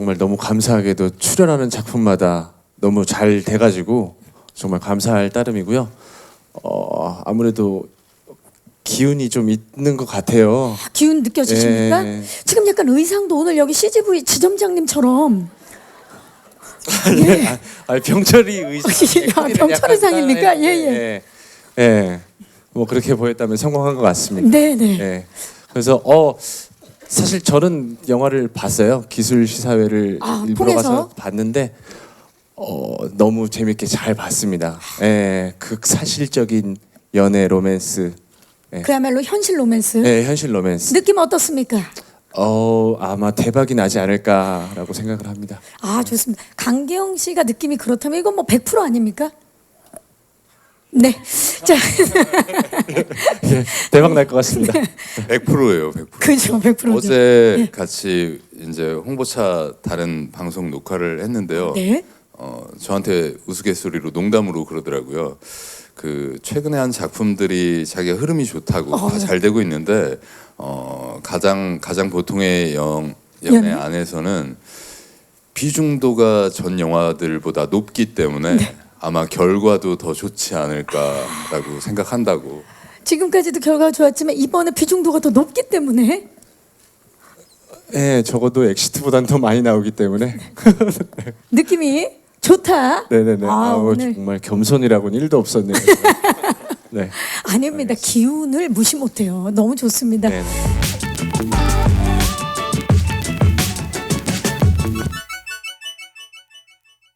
정말 너무 감사하게도 출연하는 작품마다 너무 잘 돼가지고 정말 감사할 따름이고요. 아무래도 기운이 좀 있는 것 같아요. 기운 느껴지십니까? 예. 지금 약간 의상도 오늘 여기 CGV 지점장님처럼. 병철이 의상. 병철 의상입니까? 예예. 예. 뭐 그렇게 보였다면 성공한 것 같습니다. 네네. 예. 그래서 사실 저는 영화를 봤어요. 기술 시사회를 일부러 통해서? 가서 봤는데 너무 재밌게 잘 봤습니다. 예. 극사실적인 연애 로맨스. 그야말로 현실 로맨스. 예, 현실 로맨스. 느낌 어떻습니까? 아마 대박이 나지 않을까라고 생각을 합니다. 아 좋습니다. 강계영 씨가 느낌이 그렇다면 이건 뭐 100% 아닙니까? 네. 자, 예, 대박 날 것 같습니다. 100%예요, 100%. 그죠, 100%죠. 어제 같이 이제 홍보차 다른 방송 녹화를 했는데요. 네. 저한테 우스갯소리로 농담으로 그러더라고요. 그 최근에 한 작품들이 자기가 흐름이 좋다고 다 잘 되고 있는데 가장 보통의 연애 안에서는 비중도가 전 영화들보다 높기 때문에 아마 결과도 더 좋지 않을까라고 생각한다고. 지금까지도 결과가 좋았지만 이번에 비중도가 더 높기 때문에 예, 적어도 엑시트보다는 더 많이 나오기 때문에. 느낌이 좋다. 네네네. 오늘 정말 겸손이라고는 1도 없었네요. 네. 아닙니다. 기운을 무시 못해요. 너무 좋습니다. 네네.